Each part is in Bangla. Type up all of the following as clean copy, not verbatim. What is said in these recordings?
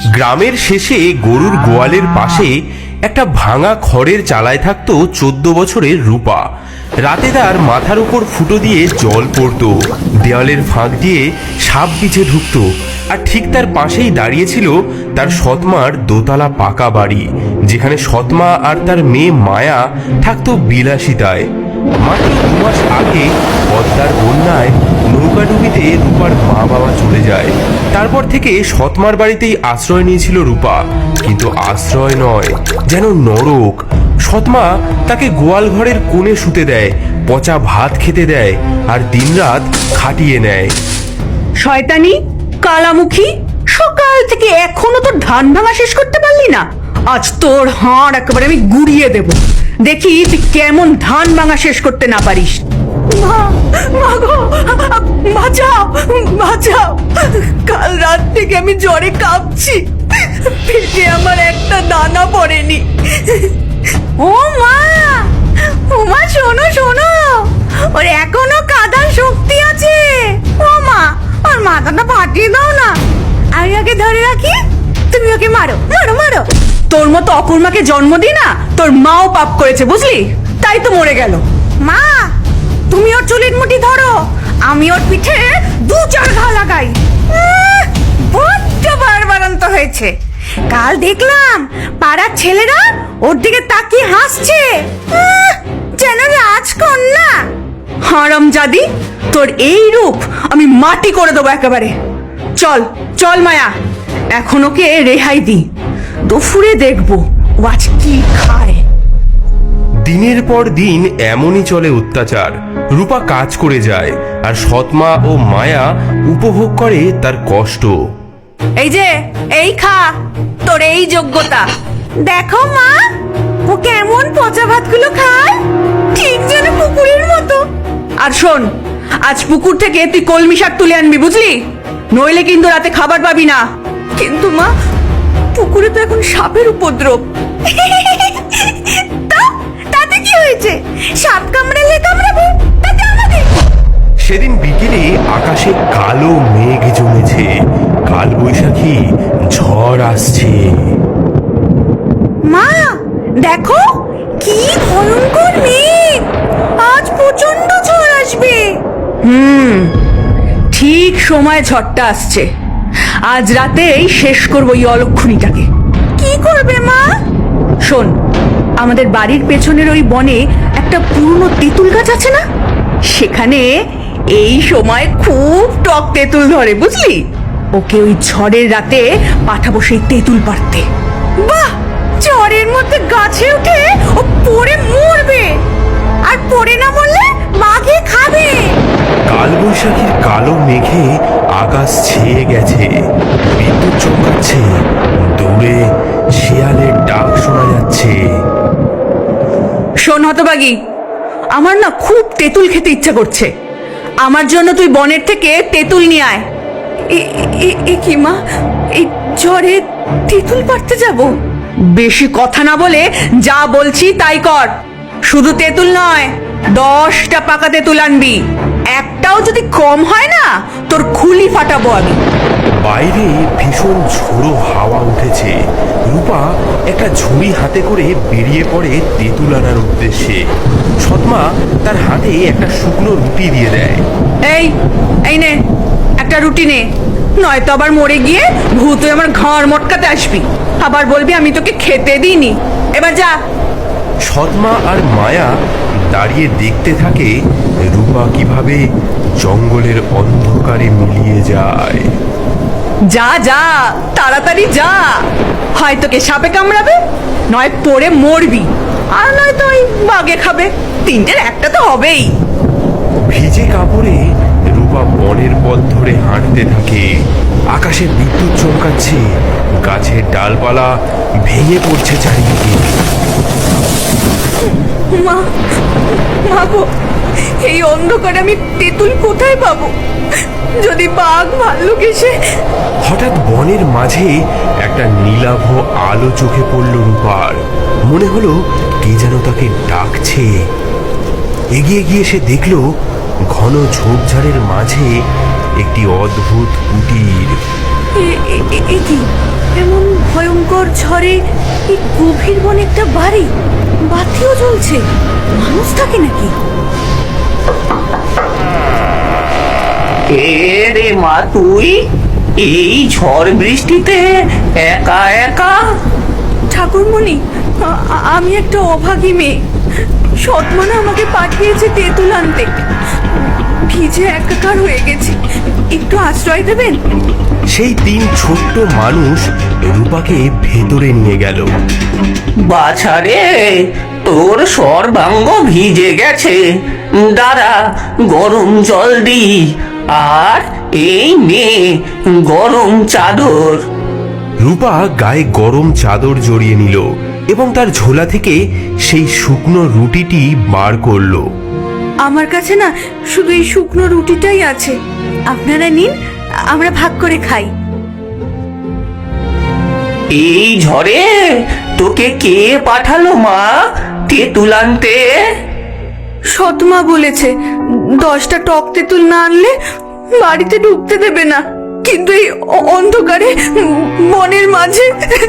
গ্রামের শেষে গরুর গোয়ালের পাশে একটা ভাঙা খড়ের চালায় থাকতো 14 বছরের রূপা। রাতে তার মাথার উপর ফুটো দিয়ে জল পড়তো, দেওয়ালের ফাঁক দিয়ে সাপ বিছে ঢুকতো, আর ঠিক তার পাশেই দাঁড়িয়েছিল তার সৎমার দোতলা পাকা বাড়ি, যেখানে সৎমা আর তার মেয়ে মায়া থাকতো বিলাসিতায়। মাত্র 2 মাস আগে পদ্মার বন্যায় নৌকাডুবিতে রূপার মা বাবা চলে যায়। তারপর থেকে সৎমার বাড়িতেই আশ্রয় নিয়েছিল রূপা, কিন্তু আশ্রয় নয়, যেন নরক। সৎমা তাকে গোয়াল ঘরের কোণে শুতে দেয়, পচা ভাত খেতে দেয়, আর দিনরাত খাটিয়ে নেয়। শয়তানি কালামুখী, সকাল থেকে এখনো তোর ধান ভাঙা শেষ করতে পারলি না? আজ তোর হাড় একেবারে আমি গুড়িয়ে দেব, দেখি তুই কেমন ধান ভাঙা শেষ করতে না পারিস। বাঁচাও বাঁচাও, কাল রাত থেকে আমি জ্বরে কাঁপছি, পেটে আমার একটা দানা পড়েনি। ও মা, ও মা, শোনো শোনো, ওর এখনো কাঁদার শক্তি আছে। ও মা, ওর মাথাটা ফাটিয়ে দাও না, আমি ওকে ধরে রাখি, তুমি ওকে মারো মারো মারো। তোর মতো অকুর্মাকে জন্ম দি না, তোর মাও পাপ করেছে বুঝলি, তাই তো মরে গেল। মা, তুমি ওর চুলের মুঠি ধরো, আমি ওর পিঠে 2-4 ঘা লাগাই। বড্ড বাড়বাড়ন্ত হয়েছে। কাল দেখলাম পাড়ার ছেলেরা ওর দিকে তাকিয়ে হাসছে, যেন রাজকন্যা। হারামজাদি, তোর এই রূপ আমি মাটি করে দেবো একেবারে। চল চল মায়া, এখন ওকে রেহাই দি, দুপুরে দেখবো ও আজ কি খায়। দিনের পর দিন এমনই চলে অত্যাচার। রূপা কাজ করে যায়, আর সৎমা ও মায়া উপভোগ করে তার কষ্ট। এই যে, এই খা, তোর এই যোগ্যতা। দেখো মা, ও কেমন পচা ভাতগুলো খায়, ঠিক যেন পুকুরের মতো। আর শোন, আজ পুকুর থেকে তুই কলমি শাক তুলে আনবি বুঝলি, নইলে কিন্তু রাতে খাবার পাবি না। কিন্তু মা, পুকুরে তো এখন সাপের উপদ্রব। তাতে কি হয়েছে? সাপ কামড়ালে কামড়াবে, তাতে আমাদের। সেদিন বিকেলে আকাশে কালো মেঘ জমেছে, কাল বৈশাখী ঝড় আসছে। মা দেখো, কি ভয়ঙ্কর মেঘ, আজ প্রচন্ড ঝড় আসবে। ঠিক সময় ঝড়টা আসছে, আজ রাতেই শেষ করবো এই অলক্ষণীটাকে। কি করবে মা? শোন, আমাদের বাড়ির পেছনের ওই বনে একটা পুরনো তেঁতুল গাছ আছে না, সেখানে এই সময় খুব টক তেঁতুল ধরে বুঝলি। ওকে ওই ঝড়ের রাতে পাঠাবো সেই তেঁতুল পাড়তে। বাহ, ঝড়ের মধ্যে গাছে উঠে ও পড়ে মরবে, আর পড়ে না মরলে বাঘে খাবে। কাল বৈশাখীর কালো মেঘে আকাশ ছেয়ে গেছে, বিদ্যুৎ চমকাচ্ছে, দূরে শিয়ালের ডাক শোনা যাচ্ছে। শোন হতবাগী, আমার না খুব তেঁতুল খেতে ইচ্ছা করছে, আমার জন্য তুই বনের থেকে তেঁতুল নিয়ে আয়। এ কি মা, এই ঝড়ে তেঁতুল পাড়তে যাব? বেশি কথা না বলে যা বলছি তাই কর। শুধু তেঁতুল নয়, 10টা পাকা তেঁতুল আনবি, একটাও যদি কম হয় না তোর খুলি ফাটাবো আমি। বাইরে ভীষণ ঝোড়ো হাওয়া উঠেছে। রূপা একটা ঝুড়ি হাতে করে বেরিয়ে পড়ে তেঁতুল আনার উদ্দেশ্যে। সৎমা তার হাতে একটা শুকনো রুটি দিয়ে দেয়। এই এই নে, একটা রুটি নে, নয়তো আবার মরে গিয়ে ভূত হয়ে আমার ঘাড় মটকাতে আসবি, আবার বলবি আমি তোকে খেতে দিইনি। এবার যা। সৎমা আর মায়া দাঁড়িয়ে দেখতে থাকে রূপা কিভাবে জঙ্গলের অন্ধকারে মিলিয়ে যায়। যা যা, তাড়াতাড়ি যা, হয় তোকে সাপে কামড়াবে, নয় পড়ে মরবি, আর নয়তো ওই বাঘে খাবে, তিনটের একটা তো হবেই। ভিজে কাপড়ে রূপা বনের পথ ধরে হাঁটতে থাকে। আকাশে বিদ্যুৎ চমকাচ্ছে, গাছের ডালপালা ভেঙে পড়ছে চারিদিকে। মা, মা গো, এই অন্ধকারে আমি তেঁতুল কোথায় পাবো? যদি বাঘ ভাল্লুক এসে। হঠাৎ বনের মাঝে একটা নীলাভ আলো চোখে পড়ল রূপার। মনে হলো কে যেন তাকে ডাকছে। এগিয়ে গিয়ে সে দেখল ঘন ঝোপঝাড়ের মাঝে একটি অদ্ভুত কুটির। এ কি, এমন ভয়ঙ্কর ঝড়ে এই গভীর বনে একটা বাড়ি, বাতিও জ্বলছে, মানুষ থাকে নাকি? এ রে মা, তুই এই ঝড় বৃষ্টিতে একা একা? ঠাকুরমণি, আমি একটা অভাগী মেয়ে। সৎমানা আমাকে পাঠিয়েছে তেঁতুল আনতে। ভিজে একাকার হয়ে গেছি, একটু আশ্রয় দেবেন? সেই তিন ছোট্ট মানুষ রূপাকে ভেতরে নিয়ে গেল। বাছারে, তোর সর্বাঙ্গ ভিজে গেছে, দাঁড়া গরম জল দি, আর এই নে গরম চাদর। রূপা গায়ে গরম চাদর জড়িয়ে নিল এবং তার ঝোলা থেকে সেই শুকনো রুটিটি বার করলো। আমার কাছে না শুধু এই শুকনো রুটিটাই আছে, আপনারা নিন, আমরা ভাগ করে খাই। এই ঝড়ে তোকে কে পাঠালো মা তেঁতুল আনতে? সৎমা বলেছে 10টা টক তেঁতুল না আনলে বাড়িতে ঢুকতে দেবে না, কিন্তু এই অন্ধকারে বনের মাঝে।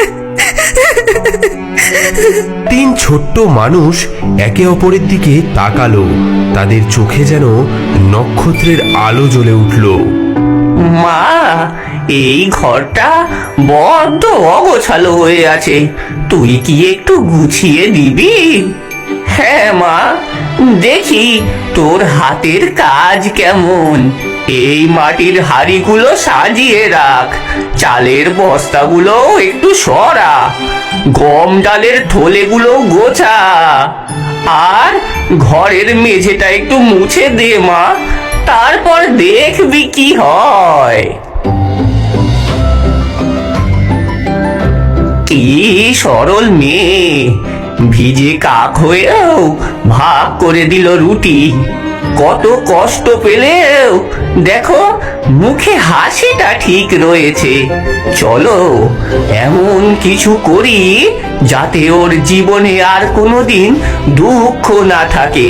তিন ছোট্ট মানুষ একে অপরের দিকে তাকালো, তাদের চোখে যেন নক্ষত্রের আলো জ্বলে উঠল। মা, এই ঘরটা বড্ড অগোছালো হয়ে আছে, তুই কি একটু গুছিয়ে দিবি? হ্যাঁ মা, দেখি তোর হাতের কাজ কেমন। এই মাটির হাঁড়িগুলো সাজিয়ে রাখ, চালের বস্তাগুলো একটু সরা, গম ডালের থলেগুলো গোছা, আর ঘরের মেঝেটা একটু মুছে দে মা, তারপর দেখবি কি হয়। কি সরল মেয়ে, ভিজে কাক হয়েও ভাগ করে দিল রুটি। কত কষ্ট পেলেও দেখো মুখে হাসিটা ঠিক রয়েছে। চলো এমন কিছু করি যাতে ওর জীবনে আর কোনোদিন দুঃখ না থাকে।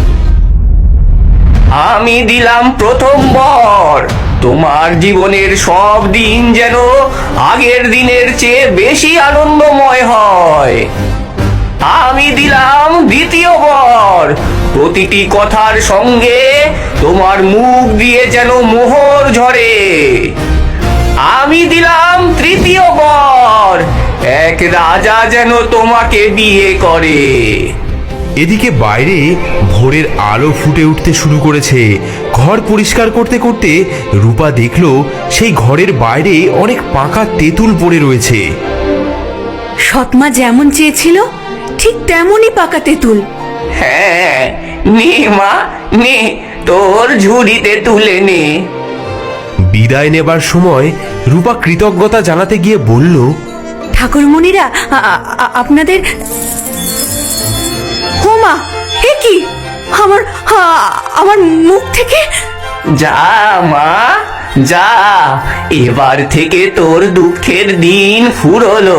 আমি দিলাম প্রথম বর, তোমার জীবনের সব দিন যেন আগের দিনের চেয়ে বেশি আনন্দময় হয়। আমি দিলাম দ্বিতীয় বর, প্রতিটি কথার সঙ্গে তোমার মুখ দিয়ে যেন মোহর ঝরে। আমি দিলাম তৃতীয় বর, এক রাজা যেন তোমাকে বিয়ে করে। এদিকে বাইরে ভোরের আলো ফুটে উঠতে শুরু করেছে। ঘর পরিষ্কার করতে করতে রূপা দেখলো সেই ঘরের বাইরে অনেক পাকা তেঁতুল পড়ে রয়েছে। সৎমা যেমন চেয়েছিল ঠিক তেমনই পাকা তেঁতুল। হ্যাঁ, নে মা নে, তোর ঝুড়িতে তুলে নে। বিদায় নেবার সময় রূপা কৃতজ্ঞতা জানাতে গিয়ে বলল, ঠাকুরমণিরা, আপনাদের। হোমা, এ কি? আমার মুখ থেকে। যা মা যা, এবার থেকে তোর দুঃখের দিন ফুরলো।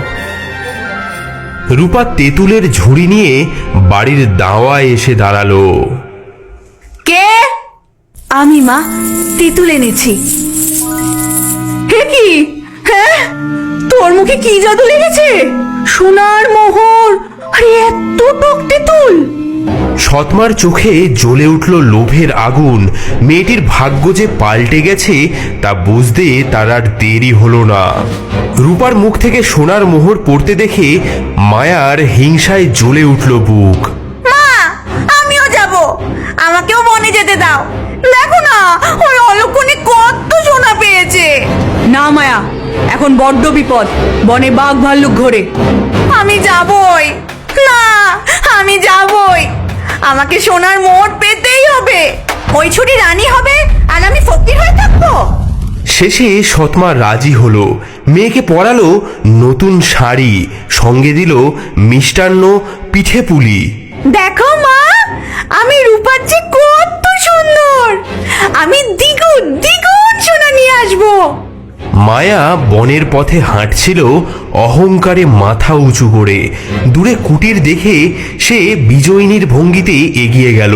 রূপা তেঁতুলের ঝুড়ি নিয়ে বাড়ির দাওয়ায় এসে দাঁড়ালো। কে? আমি মা, তেঁতুল এনেছি। হে কি? হ্যাঁ, তোর মুখে কি জাদু লেগেছে? সোনার মোহর, আরে এত টক তেঁতুল! সৎমার চোখে জ্বলে উঠল লোভের আগুন। মেয়েটির ভাগ্য যে পাল্টে গেছে তা বুঝতে তার আর দেরি হলো না। রূপার মুখ থেকে সোনার মোহর পড়তে দেখে মায়ার হিংসায় জ্বলে উঠল বুক। মা, আমিও যাব, আমাকেও বনে যেতে দাও। দেখো না, ওই অলক্ষণে কত সোনা পেয়েছে। না মায়া, এখন বড্ড বিপদ, বনে বাঘ ভাল্লুক ঘোরে। আমি যাবই। না, আমি যাবই, আমাকে সোনার মোহর পেতেই হবে। ওই ছুটি রানী হবে আর আমি ফকির হয়ে থাকবো। শেষে সৎমা রাজি হলো। মেয়েকে পরালো নতুন শাড়ি, সঙ্গে দিল মিষ্টান্ন, পিঠে পুলি। দেখো মা, আমি রূপার যে কত সুন্দর, আমি দ্বিগুণ দ্বিগুণ সোনা নিয়ে আসবো। মায়া বনের পথে হাঁটছিল অহংকারে মাথা উঁচু করে। দূরে কুটির দেখে সে বিজয়িনীর ভঙ্গিতে এগিয়ে গেল।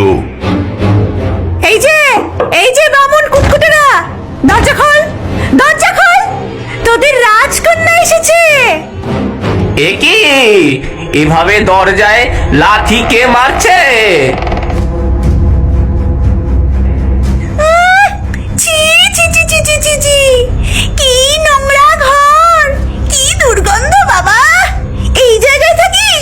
এই যে বামুন কুটকুটেরা, দরজা খোল, দরজা খোল, তোদের রাজকন্যা এসেছে। এ কি এভাবে দরজায় লাথি কে মারছে? ছি ছি ছি ছি ছি ছি ছি, কি নোংরা ঘর, কি দুর্গন্ধ বাবা। এই জায়গায় থাকিস?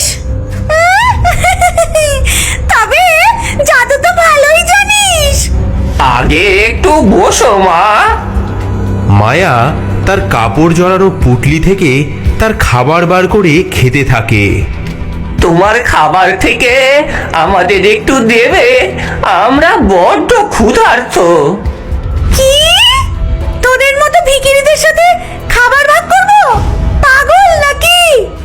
তবে জাদু তো ভালোই জানিস। আগে একটু বসো মা। মায়া তার কাপড় জড়ানো পুটলি থেকে তার খাবার বার করে খেতে থাকে। তোমার খাবার থেকে আমাদের একটু দেবে, আমরা বড্ড ক্ষুধার্ত। কি? তোদের মতো ভিখিরিদের সাথে খাবার ভাগ করব? পাগল নাকি?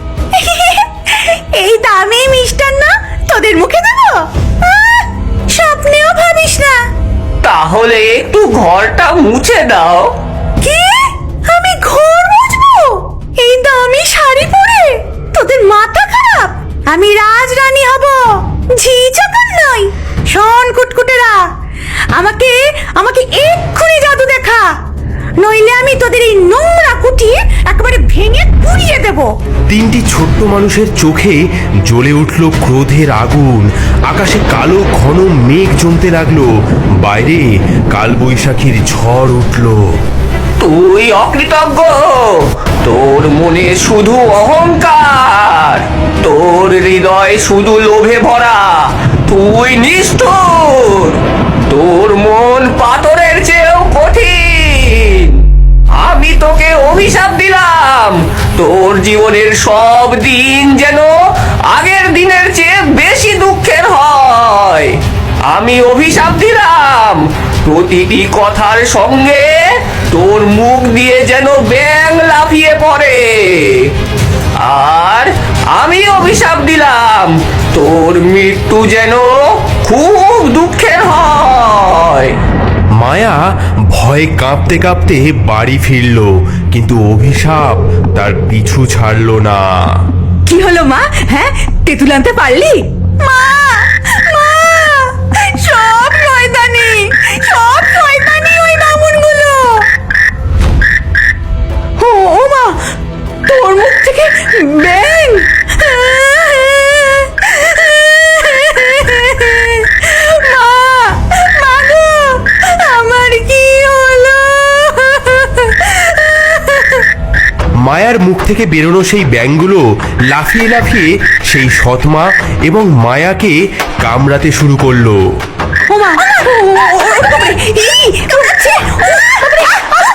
এই দামি মিষ্টান্ন তোদের মুখে দেব? স্বপ্নেও ভাবিস না। তাহলে একটু ঘরটা মুছে দাও। কি? আমি ঘর মুছবো এই দামি শাড়ি পরে? তোদের মাথা খারাপ? আমি রাজরানী হব, ঝি চাকর নই। শোন কুটকুটেরা, আমাকে আমাকে এক্ষুনি জাদু দেখা, নইলে আমি তোদের এই নোংরা কুঠি একেবারে ভেঙে পুড়িয়ে দেব। তিনটি ছোট্ট মানুষের চোখে জ্বলে উঠল ক্রোধের আগুন। আকাশে কালো ঘন মেঘ জমতে লাগলো। বাইরে কালবৈশাখীর ঝড় উঠল। তুই অকৃতজ্ঞ, তোর মনে শুধু অহংকার, তোর হৃদয় শুধু লোভে ভরা, তুই নিষ্ঠুর, তোর মন পাথরের চেয়েও কঠিন। আমি তোকে অভিশাপ দিলাম, তোর জীবনের সব দিন যেন আগের দিনের চেয়ে বেশি দুঃখের হয়। আমি অভিশাপ দিলাম, প্রতিটি কথার সঙ্গে তোর মুখ দিয়ে যেন ব্যাঙ লাফিয়ে পড়ে। আর আমি অভিশাপ দিলাম, তোর মৃত্যু যেন খুব দুঃখের হয়। মায়া ভয়ে কাঁপতে কাঁপতে বাড়ি ফিরল, কিন্তু অভিশাপ তার পিছু ছাড়ল না। কি হলো মা? হ্যাঁ, তেঁতুল আনতে পারলি? মা, মা, সব শয়তানি, সব শয়তানি ওই বামুনগুলো। ও মা, তোর মুখ থেকে ব্যাঙ। মা, মা গো, আমার কি হলো? মায়ার মুখ থেকে বেরোনো সেই ব্যাঙগুলো লাফিয়ে লাফিয়ে সেই সৎমা এবং মায়াকে কামড়াতে শুরু করলো। ও মা, ই, কামড়াচ্ছে, ও বাবারে,